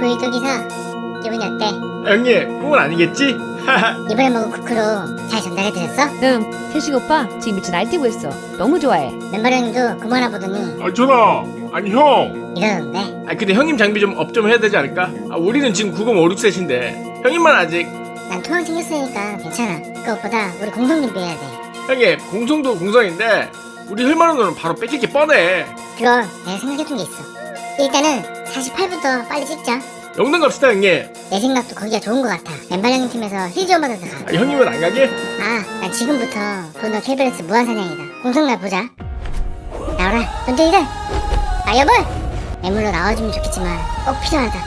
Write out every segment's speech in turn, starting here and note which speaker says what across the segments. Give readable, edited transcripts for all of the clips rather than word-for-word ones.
Speaker 1: 일도기사 기분이 어때?
Speaker 2: 형님 꿈은 아니겠지?
Speaker 1: 이번에 먹은 쿠크로 잘 전달해드렸어?
Speaker 3: 태식 오빠 지금 미쳐 날뛰고 있어. 너무 좋아해.
Speaker 1: 멤버 형님도 그거 하나 보더니
Speaker 2: 아 전화 아니 형
Speaker 1: 이러던데.
Speaker 2: 아 근데 형님 장비 좀 업 좀 해야 되지 않을까? 아 우리는 지금 9056셋인데 형님만 아직
Speaker 1: 난 통화 챙겼으니까 괜찮아. 그것보다 우리 공동 준비해야 돼.
Speaker 2: 형님 공성도 공성인데 우리 흘만원은 바로 뺏길 게 뻔해.
Speaker 1: 그거 내가 생각해둔 게 있어. 일단은 48부터 빨리 찍자.
Speaker 2: 영등 갑시다 형님.
Speaker 1: 내 생각도 거기가 좋은 것 같아. 멤버 형님 팀에서 힐 좀 받아서 가.
Speaker 2: 아, 형님은 안 가게?
Speaker 1: 난 지금부터 돈너 KBS 무한사냥이다. 공성날 보자. 나와라 돈쟁이들. 여벌 애물로 나와주면 좋겠지만 꼭 필요하다.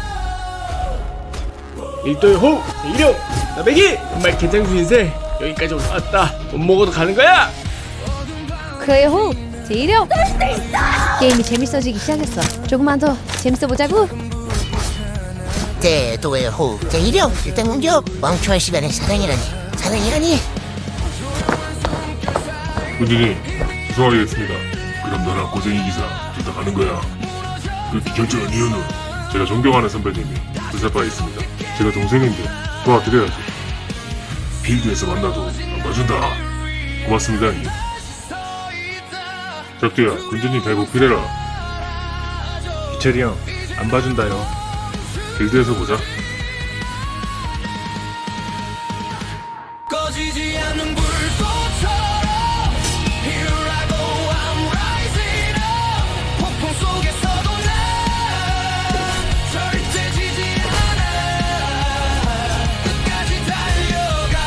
Speaker 2: 일도의 호흡 제1형 나배기 정말 개장수 인생 여기까지 올라왔다. 못 먹어도 가는 거야.
Speaker 3: 그의 호흡 제1형. 게임이 재밌어지기 시작했어. 조금만 더 재밌어 보자고.
Speaker 4: 대도의 호흡 제1형 일단 공격. 왕초할 시간에 사랑이라니.
Speaker 5: 군주님, 죄송하겠습니다. 그럼 너랑 고생이 기사 둘 다 가는 거야. 그렇게 결정한 이유는 제가 존경하는 선배님이 불사파에 있습니다. 제가 동생인데 도와드려야죠. 필드에서 만나도 안 봐준다. 고맙습니다, 형님. 적두야, 군주님 잘 보필해라.
Speaker 2: 기철이 형 안 봐준다요.
Speaker 5: 필드에서 보자.
Speaker 6: 꺼지지 않는 불꽃처럼 Here I go I'm rising up 폭풍 속에서도 난 절대 지지 않아 끝까지 달려가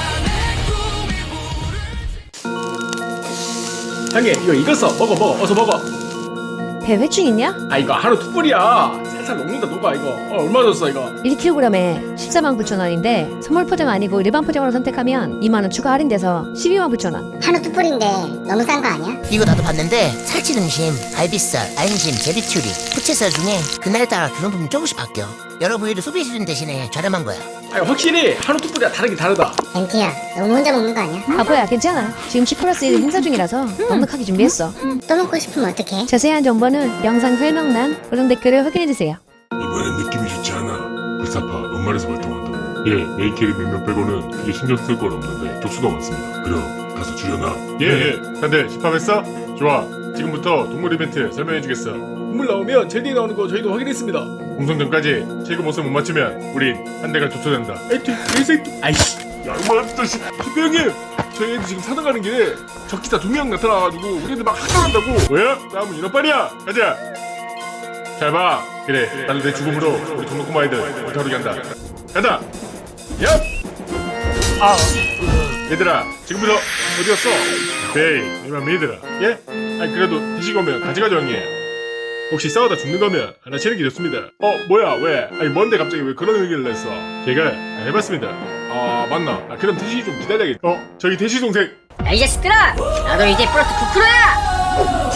Speaker 6: 내 꿈이
Speaker 2: 형님 이거 익었어. 먹어 어서 먹어.
Speaker 3: 배회충 있냐?
Speaker 2: 아 이거 하루 투뿔이야. 살살 녹는다 녹아 이거. 얼마 줬어 이거?
Speaker 3: 1kg에 149,000원인데 선물 포장 아니고 일반 포장으로 선택하면 2만원 추가 할인돼서 129,000원.
Speaker 1: 한우 뚜뿔인데 너무 싼 거 아니야?
Speaker 4: 이거 나도 봤는데 살치 등심, 갈비살, 안심, 제비추리, 부채살 중에 그날따라 기름품이 조금씩 바뀌어. 여러 부위를 소비해주는 대신에 저렴한 거야.
Speaker 2: 아니 확실히 한우 투뿔이야 다르긴 다르다.
Speaker 1: 엠티야 너무 혼자 먹는 거 아니야?
Speaker 3: 바보야 괜찮아. 지금 10+1 행사 중이라서 넉넉하게 준비했어.
Speaker 1: 또 먹고 싶으면 어떡해?
Speaker 3: 자세한 정보는 영상 설명란 고정 댓글을 확인해주세요.
Speaker 5: 이번엔 느낌이 좋지 않아. 불사파 연말에서 활동한다고. 예, 메이캐리 몇 명 빼고는 크게 신경 쓸 건 없는데 족수가 많습니다. 그럼 가서 줄여놔.
Speaker 7: 예. 다들 집합했어? 좋아. 지금부터 동물 이벤트 설명해주겠어.
Speaker 2: 국물 나오면 젤리 나오는 거 저희도 확인했습니다.
Speaker 7: 공성전까지 최고 모습 못 맞추면 우린 한 대가 조처된다.
Speaker 2: 에이트 개새끼. 아이씨.
Speaker 7: 야, 이만 자식.
Speaker 2: 대표형님 저희 애들 지금 사당 가는 길에 적기사 2명 나타나가지고 우리 애들 막 학살한다고.
Speaker 7: 뭐야? 다음은 인어빨이야. 가자. 잘 봐. 그래. 나도 내 죽음으로 우리 동물 아이들 불타오르게 한다. 간다. 얍. 얘들아, 지금부터 어디 갔어? 에이, 이만 믿으라. 예? 아니 그래도 드시고 오면 같이 가죠 형님. 혹시 싸우다 죽는 거면 하나 치는 게 좋습니다. 뭐야 왜? 아니 뭔데 갑자기 왜 그런 의견을 냈어? 제가 해봤습니다. 맞나? 그럼 대시 좀 기다려야겠다. 저기 대시 동생.
Speaker 8: 야 이 자식들아! 나도 이제 플러스 9%야!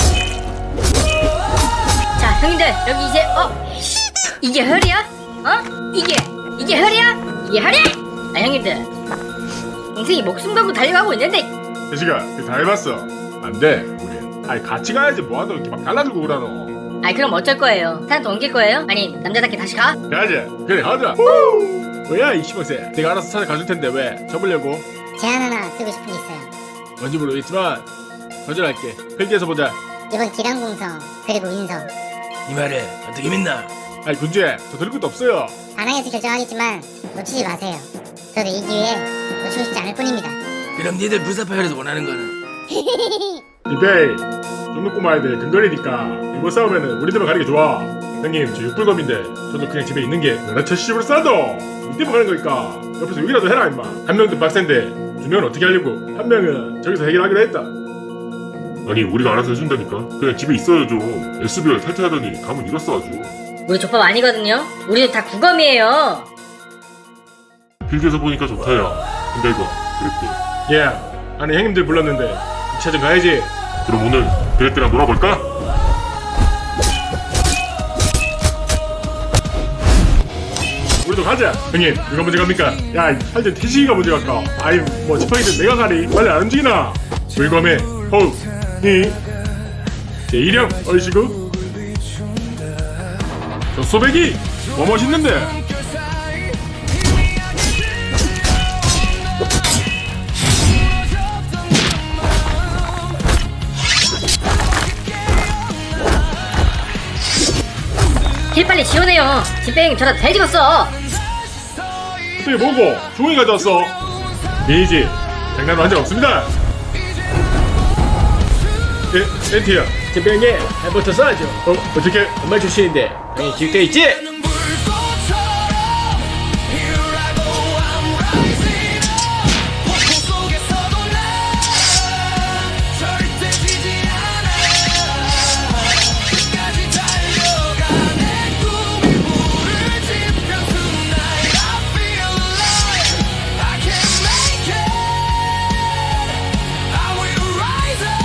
Speaker 8: 자 형님들 여기 이제 이게 혈이야? 이게 혈이야? 이게 혈이야? 형님들 동생이 목숨 걸고 달려가고 있는데
Speaker 7: 대시가 다 해봤어. 안 돼. 우린. 아니 같이 가야지 뭐하노 이렇게 막 갈라주고 그러노.
Speaker 8: 그럼 어쩔 거예요? 사람도 옮길 거예요? 아니 남자답게 다시 가?
Speaker 7: 가자. 그래 하자.
Speaker 2: 뭐야 이 시방새. 내가 알아서 찾아가줄 텐데 왜 접으려고?
Speaker 1: 제안 하나 쓰고 싶은 게 있어요.
Speaker 2: 뭔지 모르겠지만 거절할게. 필기에서 보자.
Speaker 1: 이번 기량공성 그리고 인성
Speaker 2: 이 말을 어떻게 믿나?
Speaker 7: 아니 군주야 더 들을 것도 없어요.
Speaker 1: 반항해서 결정하겠지만 놓치지 마세요. 저도 이 기회에 놓치고 싶지 않을 뿐입니다.
Speaker 2: 그럼 니들 불사파열에서 원하는 거는?
Speaker 7: 이베이 좀 놓고 마야 돼. 근거리니까 이거 싸우면은 우리들만 가는 게 좋아. 형님 저 육불검인데 저도 그냥 집에 있는 게 나라 첫시집으로 싸도 이때만 가는 거니까 옆에서 욕이라도 해라 임마. 한 명도 빡센데 두 명은 어떻게 하려고. 한 명은 저기서 해결하기로 했다.
Speaker 5: 아니, 우리가 알아서 해준다니까. 그냥 집에 있어요 좀. SBR 탈퇴하더니 감은 잃었어 아주.
Speaker 8: 우리 족밥 아니거든요? 우리도 다 구검이에요.
Speaker 5: 필드에서 보니까 좋다야. 근데 이거 그랬대.
Speaker 7: 예. 아니 형님들 불렀는데 2차전 가야지.
Speaker 5: 그럼 오늘 그랬대랑 놀아볼까?
Speaker 7: 우리도 가자. 형님 누가 먼저 갑니까? 야 할때 태식이가 먼저 갈까? 아이 뭐 지팡이든 내가 가리. 빨리 안 움직이나. 불검에 호흡 히 제1형 얼씨구 저 소배기 뭐 멋있는데?
Speaker 8: 힐 빨리 지원해요. 진뺑이 저라 잘 찍었어.
Speaker 7: 이게 뭐고? 종이 가져왔어. 미니지 장난으로 한 적 없습니다. 엔티야.
Speaker 2: 제병에 잘부터 써야죠.
Speaker 7: 어떻게?
Speaker 2: 엄마 출신인데 당연히 기획돼 있지?
Speaker 6: 불꽃처럼 Here I go I'm rising up 폭풍 속에서도 난 절대 지지 않아 끝까지 달려가 내 꿈에 불을 지펴 Tonight I feel like I can make it I will rise up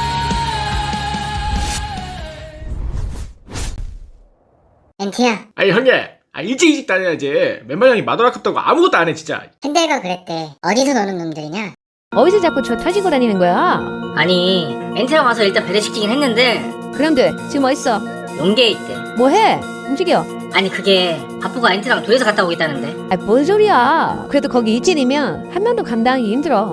Speaker 1: 엔티야,
Speaker 2: 아니 형님, 일찍 다녀야지. 맨날 형이 마돌 아깝다고 아무것도 안 해 진짜.
Speaker 1: 헨델과 그랬대. 어디서 노는 놈들이냐?
Speaker 3: 어디서 자꾸 저 터지고 다니는 거야?
Speaker 8: 아니 엔테랑 와서 일단 배려시키긴 했는데
Speaker 3: 그럼 돼. 지금 어딨어?
Speaker 8: 용계에 있대.
Speaker 3: 뭐해? 움직여.
Speaker 8: 아니 그게 바쁘가 엔테랑 둘이서 갔다 오겠다는데.
Speaker 3: 뭔 소리야. 그래도 거기 이진이면 한 명도 감당하기 힘들어.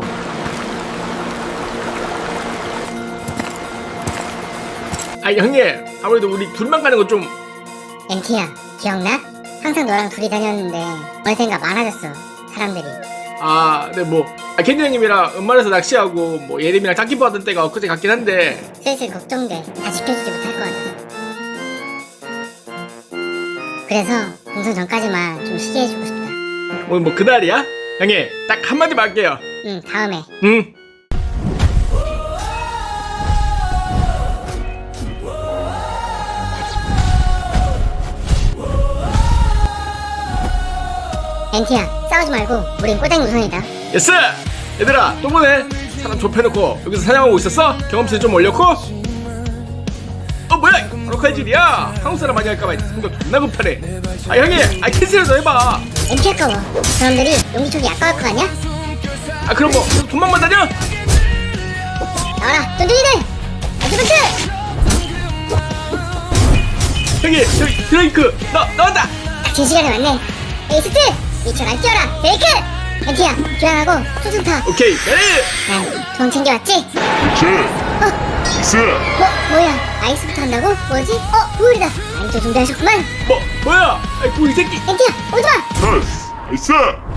Speaker 2: 아니 형님, 아무래도 우리 둘만 가는 거 좀.
Speaker 1: 엔티야, 기억나? 항상 너랑 둘이 다녔는데 어느샌가 많아졌어, 사람들이.
Speaker 2: 네 뭐. 캔디 형님이랑 은말에서 낚시하고 뭐 예림이랑 짝키포 하던 때가 엊그제 같긴 한데.
Speaker 1: 슬슬 걱정돼. 다 지켜주지 못할 것 같아. 그래서 공선 전까지만 좀 쉬게 해주고 싶다.
Speaker 2: 오늘 뭐 그날이야? 형님, 딱 한마디만 할게요.
Speaker 1: 응, 다음에.
Speaker 2: 응.
Speaker 1: 엔티야, 싸우지 말고 우린 꼬댕이 우선이다.
Speaker 2: 예스! 얘들아, 또 보네. 사람 좁혀놓고 여기서 사냥하고 있었어? 경험치 좀 올렸고? 뭐야? 바로 칼질이야. 한국 사람 많이 할까봐 성격 존나 급하네. 형님, 캔슬해서 해봐.
Speaker 1: 엔티 아까워. 사람들이 용기총이 아까울 거 아니야?
Speaker 2: 그럼 뭐 돈만만 다녀?
Speaker 1: 나와라, 쫀쫀이들! 아즈부스!
Speaker 2: 형님, 저기 드레이크 나온다.
Speaker 1: 딱 제 시간에 왔네. 에이스트! 이철 안 뛰어라, 드레이크! 엔티야, 교환하고 총총 타.
Speaker 2: 오케이, 메리.
Speaker 1: 난돈 챙겨왔지?
Speaker 5: 있어.
Speaker 1: 뭐야? 아이스부터 한다고? 뭐지? 우울이다. 아니, 준비하셨구만.
Speaker 2: 뭐야? 이 새끼.
Speaker 1: 엔티야, 오지마!
Speaker 5: 있어.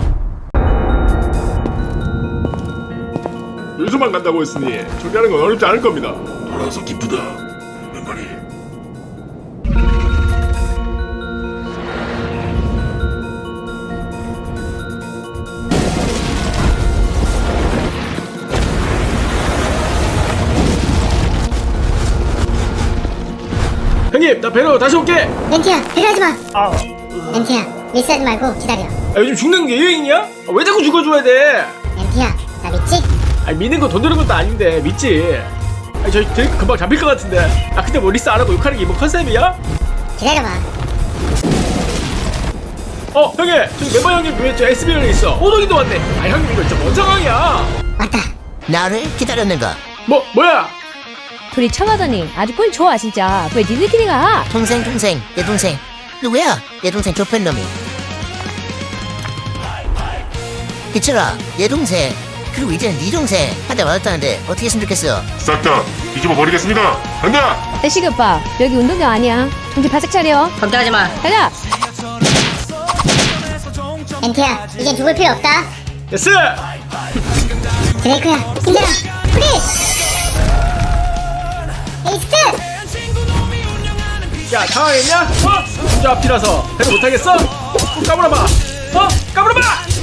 Speaker 7: 요즘만 간다고 했으니 준비하는 건 어렵지 않을 겁니다.
Speaker 5: 돌아와서 기쁘다. 맨말이.
Speaker 2: 형님, 나 배로 다시 올게.
Speaker 1: 엔티야, 배려하지 마. 엔티야, 밀스하지 말고 기다려.
Speaker 2: 요즘 죽는 게 유행이냐? 왜 자꾸 죽어줘야 돼?
Speaker 1: 엔티야, 나 믿지?
Speaker 2: 믿는 거 돈 드는 것도 아닌데 믿지. 저희 드레이크 금방 잡힐 것 같은데. 근데 뭐 리스 안 하고 욕하는 게 뭐 컨셉이야?
Speaker 1: 기다려봐.
Speaker 2: 형님, 저기 멤버 형님 왜 저 SBL에 있어? 오동이도 왔네. 형님 이거 진짜 뭔 상황이야?
Speaker 1: 왔다.
Speaker 4: 나를 기다렸는가?
Speaker 2: 뭐야?
Speaker 3: 둘이 쳐가더니 아주 꼴 좋아 진짜. 왜 니들끼리 가?
Speaker 4: 동생 내 동생 누구야? 내 동생 좁힌 놈이. 기철아, 내 동생 그리고 이제는 네 동생 한대 맞았다는데 어떻게 했으면 좋겠어?
Speaker 5: 싹 다 뒤집어 버리겠습니다. 간다.
Speaker 3: 대식 오빠 여기 운동장 아니야. 정신 바짝 차려.
Speaker 8: 걱정하지 마.
Speaker 3: 가자.
Speaker 1: 엔티야, 이젠 죽을 필요 없다.
Speaker 2: 예스!
Speaker 1: 드레이크야, 힘내라. 프리! 에이스트!
Speaker 2: 야, 당황했냐? 혼자 앞이라서 배를 못하겠어? 까불어봐. 까불어봐!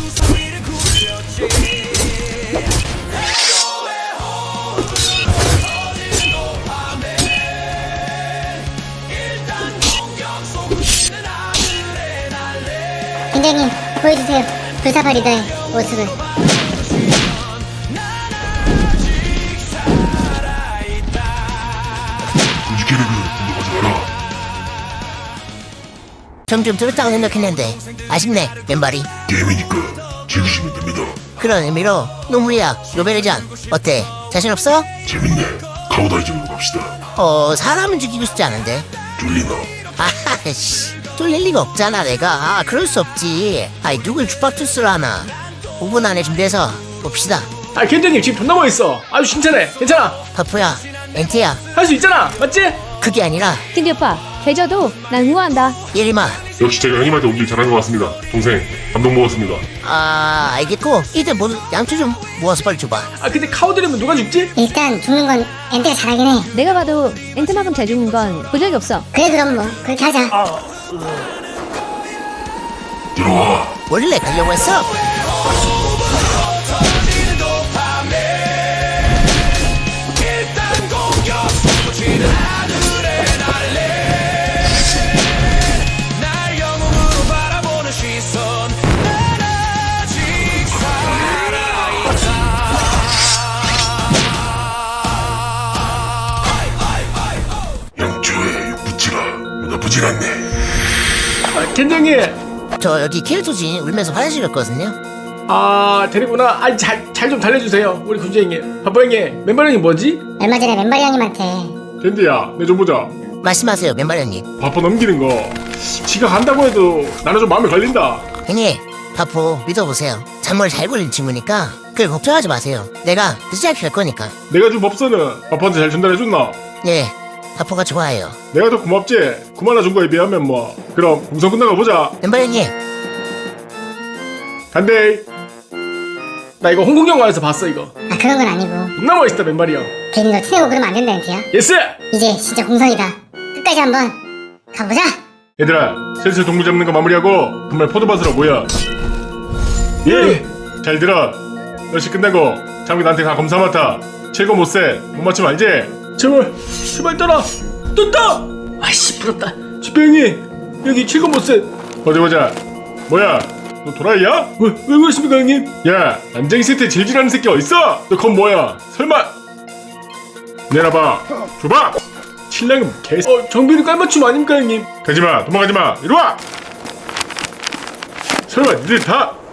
Speaker 1: 팀장님, 보여주세요. 불사파 리더의 모습을.
Speaker 5: 군지캐릭은 운동하지 마라.
Speaker 4: 점점 들었다고 생각했는데 아쉽네 맨발이.
Speaker 5: 게임이니까 즐기시면 됩니다.
Speaker 4: 그런 의미로 노무리야 노벨전 어때? 자신 없어?
Speaker 5: 재밌네. 카오다이즘으로 갑시다.
Speaker 4: 사람은 죽이고 싶지 않은데.
Speaker 5: 졸리나?
Speaker 4: 아하씨 쫄릴 리가 없잖아 내가. 아, 그럴 수 없지. 아이 누굴 죽박투스를 하나. 5분 안에 준비해서 봅시다.
Speaker 2: 아 켄지님 지금 존나 멋있어. 아주 칭찬해. 괜찮아.
Speaker 4: 파프야, 엔티야,
Speaker 2: 할 수 있잖아. 맞지?
Speaker 4: 그게 아니라
Speaker 3: 켄지 오빠 계좌도 난 응원한다.
Speaker 4: 예림아.
Speaker 5: 역시 제가 형님한테 오길 잘한 것 같습니다. 동생 감동 먹었습니다.
Speaker 4: 아, 알겠고 이들 모두 양초 좀 모아서 빨리 줘봐.
Speaker 2: 아 근데 카오드리면 누가 죽지?
Speaker 1: 일단 죽는 건 엔트가 잘하긴 해.
Speaker 3: 내가 봐도 엔트만큼 잘 죽는 건 본 적이 없어.
Speaker 1: 그래 그럼 뭐 그렇게 하자.
Speaker 5: 들어와.
Speaker 4: 원래 가려고 했어.
Speaker 6: 날 영웅으로 바라보는 시선 난 아직 살아있다.
Speaker 5: 양초의 육부치가 나쁘진 않네.
Speaker 2: 아 켄정이.
Speaker 4: 저 여기 캐릭터진 울면서 화장실 갔거든요.
Speaker 2: 아 데리구나. 아 잘 좀 달래주세요. 우리 군주 형님. 바보 형님. 멤버 형이 뭐지?
Speaker 1: 얼마 전에 맨발이 형님한테
Speaker 7: 캔디야 내 좀 보자.
Speaker 4: 말씀하세요 맨발형님.
Speaker 7: 바빠 넘기는 거 지가 간다고 해도 나는 좀 마음에 걸린다.
Speaker 4: 형님, 파포 믿어보세요. 잔머리 잘 굴린 친구니까 그걸 걱정하지 마세요. 내가 늦지 않게 할 거니까.
Speaker 7: 내가 준 법서는 바빠한테 잘 전달해줬나?
Speaker 4: 예, 파포가 좋아해요.
Speaker 7: 내가 더 고맙지. 구만나 준 거에 비하면 뭐. 그럼 공성 끝나가 보자.
Speaker 4: 맨발형님,
Speaker 7: 간대.
Speaker 2: 나 이거 홍콩 영화에서 봤어 이거.
Speaker 1: 아 그런 건 아니고
Speaker 2: 존나 멋있다 맨발이 형.
Speaker 1: 괜히 너 티내고 그러면 안 된다 엔트야.
Speaker 2: 예스.
Speaker 1: 이제 진짜 공성이다. 끝까지 한번 가보자.
Speaker 7: 얘들아 슬슬 동물 잡는 거 마무리하고 정말 포도밭으로 모여. 예. 잘 들어. 열시 끝내고 장비 나한테 다 검사 맡아. 최고 못세. 못 맞추면 알지?
Speaker 2: 제발 따라. 떴다. 아이씨 부럽다. 집배 형님 여기 7금 못세.
Speaker 7: 어디 보자. 뭐야? 너 도라이야?
Speaker 2: 왜 그러십니까 형님?
Speaker 7: 야, 난쟁이 세트에 질질하는 새끼 어딨어? 너 건 뭐야? 설마? 내놔봐. 줘봐.
Speaker 2: 신랑은 개. 정비는 깔맞춤 아닙니까 형님?
Speaker 7: 가지마. 도망가지마. 이리와. 설마 니들 다